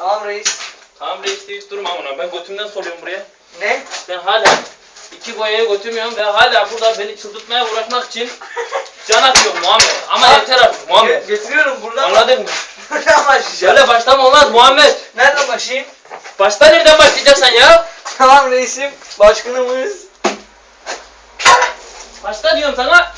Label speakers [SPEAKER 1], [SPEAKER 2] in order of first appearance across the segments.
[SPEAKER 1] Tamam reis.
[SPEAKER 2] Tamam reis deyip durma amına. Ben götümden soruyorum buraya.
[SPEAKER 1] Ne?
[SPEAKER 2] Ben hala 2 boyaya götürmüyorum ve hala burada beni çıldırtmaya uğraşmak için can atıyorum Muhammed. Ama yeter artık Muhammed.
[SPEAKER 1] Getiriyorum buradan.
[SPEAKER 2] Anladın mı?
[SPEAKER 1] Buradan başlayacağım.
[SPEAKER 2] Şöyle başlama olmaz Muhammed.
[SPEAKER 1] Nereden başlayayım?
[SPEAKER 2] Başta nereden başlayacaksın ya?
[SPEAKER 1] Tamam reisim. Başkanımız.
[SPEAKER 2] Başta diyorum sana.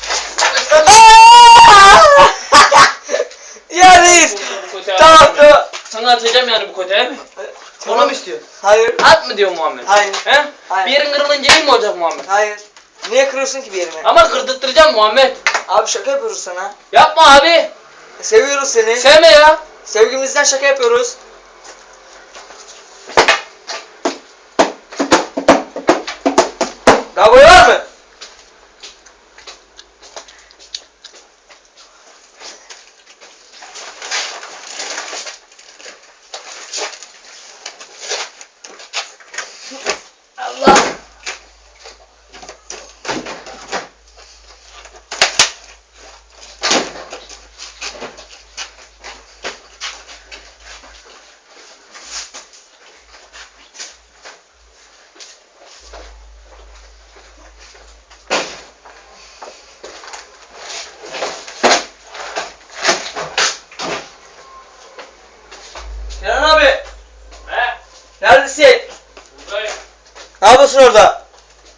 [SPEAKER 1] Ya reis.
[SPEAKER 2] Bu kötü
[SPEAKER 1] Tamam
[SPEAKER 2] abi.
[SPEAKER 1] tamam.
[SPEAKER 2] Sana atacağım yani bu kötüye mi? Onu mu istiyorsun?
[SPEAKER 1] Hayır.
[SPEAKER 2] At mı diyor Muhammed?
[SPEAKER 1] Hayır.
[SPEAKER 2] He?
[SPEAKER 1] Hayır.
[SPEAKER 2] Bir yerin kırılınca iyi mi olacak Muhammed?
[SPEAKER 1] Hayır. Niye kırıyorsun ki bir yerimi?
[SPEAKER 2] Ama kırdırtacağım Muhammed.
[SPEAKER 1] Abi şaka yapıyoruz sana.
[SPEAKER 2] Yapma abi.
[SPEAKER 1] Seviyoruz seni.
[SPEAKER 2] Sevme ya.
[SPEAKER 1] Sevgimizden şaka yapıyoruz. Daha boy var mı? Allah. Kenan abi.
[SPEAKER 2] He?
[SPEAKER 1] Neredesin?
[SPEAKER 2] Buradayım.
[SPEAKER 1] Ne yapıyorsun orada?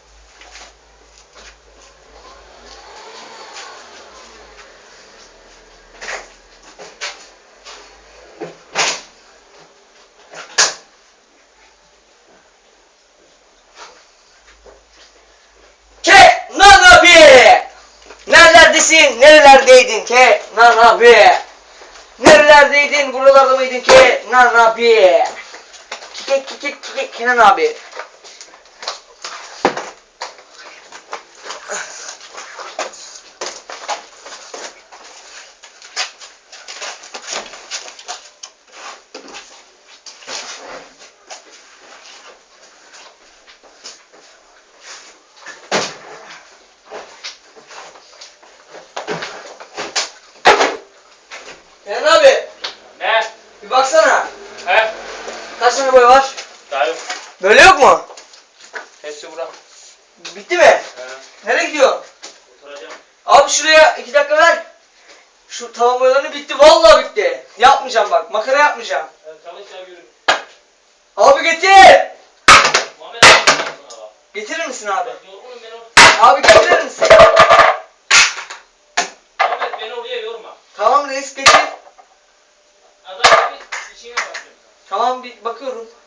[SPEAKER 1] Kenan abi! Nerelerdesin? Nerelerdeydin Kenan abi? Nerelerdeydin? Buralarda mıydın Kenan abi? Kenan abi. Kenan abi,
[SPEAKER 2] Ne?
[SPEAKER 1] bir baksana.
[SPEAKER 2] He?
[SPEAKER 1] Kaç tane boy var?
[SPEAKER 2] Daha yok.
[SPEAKER 1] Böyle yok mu?
[SPEAKER 2] Hepsi bura.
[SPEAKER 1] Bitti mi?
[SPEAKER 2] He.
[SPEAKER 1] Nereye gidiyorsun?
[SPEAKER 2] Oturacağım.
[SPEAKER 1] Abi şuraya 2 dakika ver. Şu tavan boyalarını bitti. Vallahi bitti. Yapmayacağım bak. Makara yapmayacağım.
[SPEAKER 2] Çalış ya yürü.
[SPEAKER 1] Abi getir.
[SPEAKER 2] Muhammed abi sana bak.
[SPEAKER 1] Getirir misin abi?
[SPEAKER 2] Bak yorgunum beni oraya.
[SPEAKER 1] Abi getirir misin?
[SPEAKER 2] Muhammed beni oraya yorma.
[SPEAKER 1] Tamam reis getir.
[SPEAKER 2] Adam gibi işine bakıyorum.
[SPEAKER 1] Tamam bir bakıyorum.